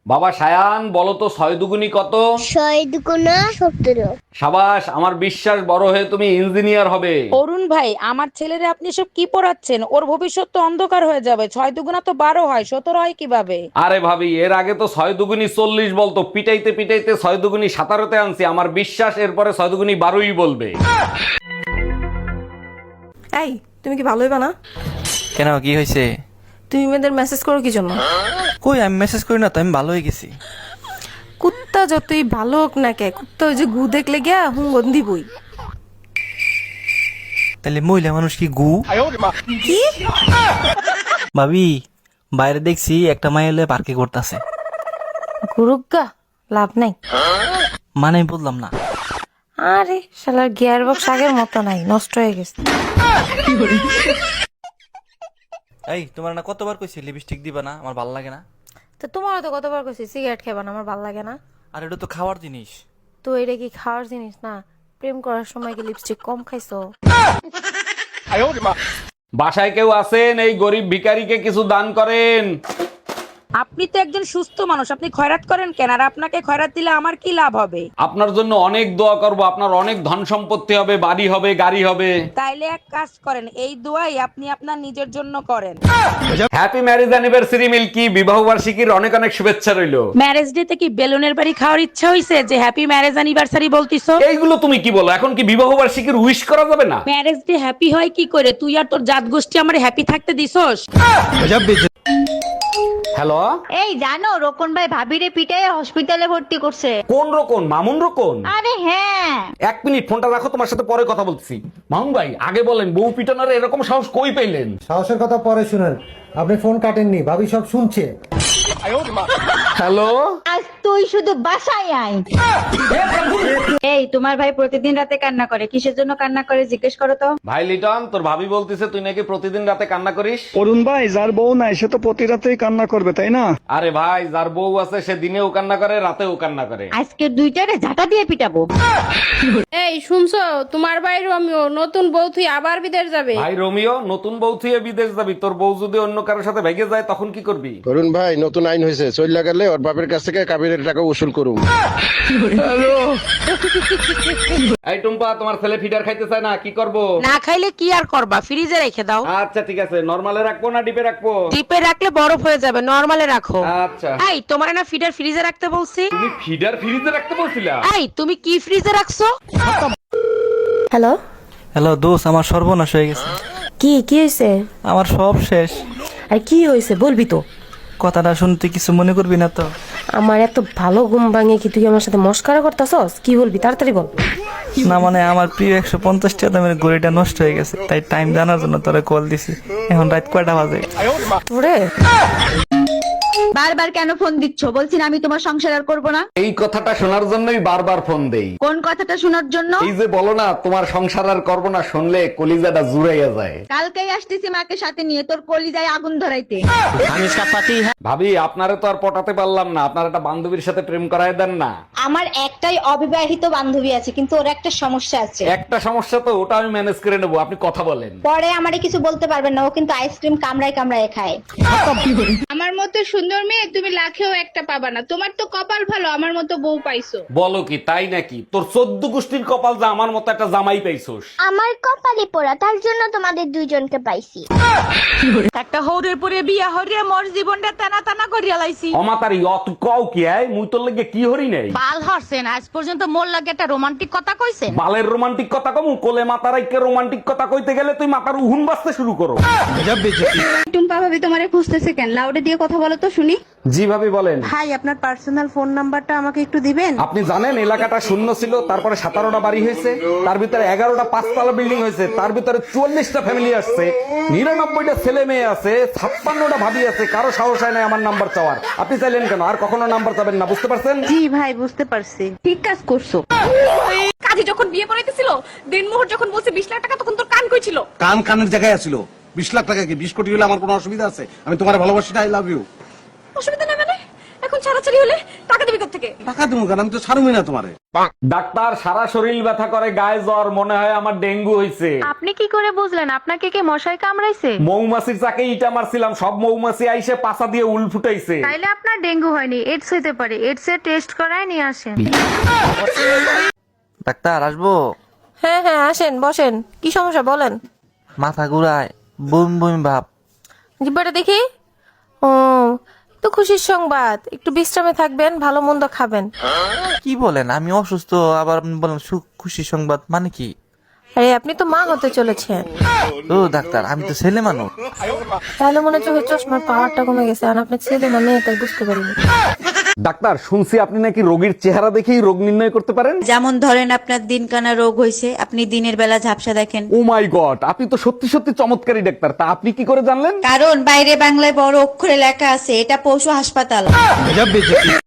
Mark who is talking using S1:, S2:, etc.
S1: বাবা সায়ান, বলো তো 6 দুগুনি কত?
S2: 6 দুগুণা 17।
S1: সাবাস, আমার বিশ্বাস বড় হয়ে তুমি ইঞ্জিনিয়ার হবে।
S3: অরুণ ভাই, আমার ছেলেরে আপনি সব কি পড়াচ্ছেন? ওর ভবিষ্যৎ তো অন্ধকার হয়ে যাবে। 6 দুগুণা তো 12 হয়, 17 হয় কিভাবে?
S1: আরে ভাবি, এর আগে তো 6 দুগুনি 40 বলতো, পিটাইতে পিটাইতে 6 দুগুনি 17তে আনছি। আমার বিশ্বাস এরপরে 6 দুগুনি 12ই বলবে।
S4: এই, তুমি কি ভালোই বানা?
S5: কেন, কি হয়েছে?
S4: তুমি মেয়েদের মেসেজ করো কি জন্য?
S5: কই, আমি মেসেজ করি না তো, আমি ভালো হয়ে গেছি।
S4: কুত্তা যতই ভালো হোক না কে, কুত্তা ওই যে গু দেখলে গিয়া হুঙ্গন দিবই।
S5: তাহলে মহিলা মানুষ কি গু?
S4: কি?
S5: ভাবি, বাইরে দেখছি একটা মাইলে পার্কে করতেছে।
S4: গুরুগা লাভ নাই।
S5: মানে আমি বললাম না।
S4: আরে শালার গিয়ার বক্স আগের মতো নাই, নষ্ট হয়ে গেছে।
S5: এই, তোমার না কতবার কইছি লিপস্টিক দিবা না, আমার ভালো লাগে না।
S4: তো তোমারও তো কতবার কইছি সিগারেট খাবা না, আমার ভালো লাগে না।
S5: আর এটা তো খাওয়ার জিনিস।
S4: তো এটা কি খাওয়ার জিনিস না? প্রেম করার সময় কি লিপস্টিক কম খাইছো?
S1: বাসায় কেউ আছেন? এই গরিব ভিখারিকে কিছু দান করেন।
S3: আপনি তো একজন সুস্থ মানুষ, আপনি খয়রাত করেন কেন? আর আপনাকে খয়রাত দিলে আমার কি লাভ হবে?
S1: আপনার জন্য অনেক দোয়া করব, আপনার অনেক ধন সম্পত্তি হবে, বাড়ি হবে, গাড়ি হবে।
S3: তাইলে এক কাজ করেন, এই দোয়াই আপনি আপনার নিজের জন্য করেন।
S1: হ্যাপি ম্যারেজ অ্যানিভার্সারি মিল্কি, বিবাহ বার্ষিকীর অনেক অনেক শুভেচ্ছা রইলো।
S3: ম্যারেজ ডে তে কি বেলুনের বাড়ি খাওয়ার ইচ্ছা হইছে যে হ্যাপি ম্যারেজ অ্যানিভার্সারি বলতিছো?
S1: এইগুলো তুমি কি বলো? এখন কি বিবাহ বার্ষিকীর উইশ করা যাবে না?
S3: ম্যারেজ ডে হ্যাপি হয় কি করে? তুই আর তোর জাত গোষ্ঠী আমার হ্যাপি থাকতে দিছস?
S1: হ্যালো,
S6: এই জানো, রোকন ভাই ভাবিরে পিটাই হসপিটালে ভর্তি করছে।
S1: কোন রকম? মামুন রকম?
S6: আরে হ্যাঁ।
S1: 1 মিনিট ফোনটা রাখো, তোমার সাথে পরে কথা বলছি। মামুন ভাই, আগে বলেন বউ পিটানোর এরকম সাহস কই পেলেন?
S7: সাহসের কথা পরে শুনেন, আপনি ফোন কাটেননি, ভাবি সব শুনছে।
S1: হ্যালো,
S6: আজ তুই শুধু বাসায় আয়। এই তোমার ভাই প্রতিদিন রাতে কান্না করে, কিসের জন্য কান্না করে জিজ্ঞেস করো তো।
S1: ভাই লিটন, তোর ভাবি বলতিছে তুই নাকি প্রতিদিন রাতে কান্না করিস।
S8: অরুণ ভাই, যার বউ নাই সে তো প্রতি রাতেই কান্না করবে, তাই না?
S1: আরে ভাই, যার বউ আছে সে দিনেও কান্না করে, রাতেও কান্না করে।
S6: আজকে দুইটারে ঝাঁটা দিয়ে পিটাবো।
S9: এই শুনছো, তোমার ভাই রোমিও নতুন বউ থুই আবার বিদেশ যাবে।
S1: ভাই রোমিও, নতুন বউ থুয়ে বিদেশ যাবি? তোর বউ যদি অন্য কারোর সাথে ভেগে যায় তখন কি করবি?
S10: অরুণ ভাই, নতুন আইন হয়েছে, চইলা গেলে ওর বাপের কাছ থেকে কাবিনের টাকা উসুল করুম।
S1: এই টুম্পা, তোমার ছেলে ফিডার খাইতে চায় না, কি করব?
S3: না খাইলে কি আর করবা? ফ্রিজে রেখে দাও।
S1: আচ্ছা ঠিক আছে, নরমালে রাখবো না ডিপে রাখবো?
S3: ডিপে রাখলে বরফ হয়ে যাবে, নরমালে রাখো।
S1: আচ্ছা।
S3: এই তোমার না ফিডার ফ্রিজে রাখতে বলছি?
S1: তুমি ফিডার ফ্রিজে রাখতে বলছিলা?
S3: এই তুমি কি ফ্রিজে রাখছো?
S4: হ্যালো,
S5: হ্যালো দোষ, আমার সর্বনাশ হয়ে গেছে।
S4: কি কি হয়েছে?
S5: আমার সব শেষ।
S4: আর কি হয়েছে বলবি তো?
S5: কথাটা শুনতে কিছু মনে করবি না তো?
S4: আমার এত ভালো ঘুম ভাঙে কি তুই আমার সাথে মস্কারা করতেছস? কি বলবি তাড়াতাড়ি বল।
S5: না মানে, আমার প্রিয় 150 টাকা দামের ঘড়িটা নষ্ট হয়ে গেছে, তাই টাইম জানার জন্য তোরা কল দিছি। এখন রাত কয়টা বাজে?
S4: তোরে
S6: বারবার কেন ফোন দিচ্ছ? বলছি না আমি তোমার সংসার আর করবো না।
S1: এই কথাটা শোনার জন্যই বারবার ফোন দেই।
S6: কোন কথাটা শোনার জন্য?
S1: এই যে বলো না তোমার সংসার আর করবো না, শুনলে কলিজাটা জুড়াইয়া যায়।
S6: কালকেই আসতেছি মাকে সাথে নিয়ে তোর কলিজায় আগুন ধরাইতে।
S1: ভাবি, আপনারে তো আর পটাতে পারলাম না, আপনার একটা বান্ধবীর সাথে প্রেম করায় দেন না।
S6: আমার একটাই অবিবাহিত বান্ধবী আছে, কিন্তু ওর একটা সমস্যা আছে।
S1: একটা সমস্যা তো, ওটা আমি ম্যানেজ করে নেবো, আপনি কথা বলেন।
S6: পরে আমারে কিছু বলতে পারবেন না, ও কিন্তু আইসক্রিম কামড়ায় কামড়ায় খায়।
S9: আমার মতো সুন্দর মেয়ে তুমি লাখেও একটা পাবা না। তোমার তো কপাল ভালো, আমার মতো বউ পাইছো।
S1: বলো কি, তাই নাকি? তোর 14 গোষ্ঠীর কপাল যা আমার মতো একটা জামাই পাইছোস।
S2: আমার কপালে পোড়া, তার জন্য তোমাদের দুইজনকে পাইছি।
S3: একটা হৌরের পরে বিয়া হরিয়া মোর জীবনটা টানা টানা করিয়া লাইছি।
S1: অমাতারি অত কও কি আয়, মুই তোর লাগে কি হরি নাই?
S3: বাল হরছেন, আজ পর্যন্ত মোর লাগে একটা রোমান্টিক কথা কইছেন?
S1: বালের রোমান্টিক কথা কমু? কোলে মাতারাইকে রোমান্টিক কথা কইতে গেলে তুই মাথার উহুন বাজতে শুরু করো।
S9: টুম্পা ভাবি তোমারে খুঁজতেছে কেন? লাউডে দিয়ে কথা বলো তো শুনি।
S1: জি ভাবি বলেন।
S9: ভাই, আপনার পার্সোনাল ফোন নাম্বারটা আমাকে একটু দিবেন?
S1: আপনি জানেন এলাকাটা শূন্য ছিল, তারপরে 17টা বাড়ি হয়েছে, তার ভিতরে 11টা 5তলা বিল্ডিং হয়েছে, তার ভিতরে 44টা ফ্যামিলি আসছে, 99টা ছেলে মেয়ে আছে, 56টা ভাবি আছে, কারো সাহস হয় না আমার নাম্বার চাওয়ার। আপনি চাইলেন কেন? আর কখনো নাম্বার চাবেন না, বুঝতে পারছেন?
S9: জি ভাই, বুঝতে পারছি। ঠিক কাজ করছো।
S4: কাজী যখন বিয়ে করাইতেছিল, দিনমোহর যখন বলছে 20 লাখ টাকা, তখন তোর কান কই ছিল?
S8: কান কানের জায়গায় আছিল। 20 লাখ টাকা কি 20 কোটি হলে আমার কোনো অসুবিধা আছে? আমি তোমার ভালোবাসি, আই লাভ ইউ।
S4: অসুবিধা নাই মানে? এখন ছাড়াছাড়ি হলে টাকা দিবি
S6: থেকে
S7: টাকা দেবো কেন, আমি তো ছাড়বই না তোমারে।
S1: ডাক্তার, সারা শরীর ব্যথা করে, গায়ে জ্বর, মনে হয় আমার ডেঙ্গু হইছে।
S4: আপনি কি করে বুঝলেন? আপনাকে কি মশাই কামড়াইছে?
S1: মৌমাছির চাকে ইটা মারছিলাম, সব মৌমাছি আইসে পাছা দিয়ে উল ফুটাইছে।
S4: তাইলে আপনার ডেঙ্গু হয়নি, এডস হইতে পারে। এডস এর টেস্ট করায় নিয়ে আসেন।
S5: ডাক্তার আসবো?
S4: হ্যাঁ হ্যাঁ আসেন, বসেন। কি সমস্যা বলেন?
S5: মাথা ঘুরায়, বমি বমি ভাব।
S4: জিব্বাটা দেখি। ও, তো খুশির সংবাদ। একটু বিশ্রামে থাকবেন, ভালো মন্দ খাবেন।
S5: কি বলেন? আমি অসুস্থ, আবার আপনি বলেন খুশি সংবাদ, মানে কি?
S4: আরে আপনি তো মা হতে চলেছেন।
S5: ও ডাক্তার, আমি তো ছেলে মানুষ।
S4: তাহলে মনে হচ্ছে চশমার পাওয়ারটা কমে গেছে, আর আপনার ছেলে না মেয়ে তাই বুঝতে পারিনি।
S1: ডাক্তার, শুনছি আপনি নাকি রোগীর চেহারা দেখেই রোগ নির্ণয় করতে পারেন।
S6: যেমন ধরেন আপনার দিনকানা রোগ হয়েছে, আপনি দিনের বেলা ঝাপসা দেখেন।
S1: ও মাই গড, আপনি তো সত্যি সত্যি চমৎকারী ডাক্তার। তা আপনি কি করে জানলেন?
S6: কারণ বাইরে বাংলায় বড় অক্ষরে লেখা আছে, এটা পশু হাসপাতাল।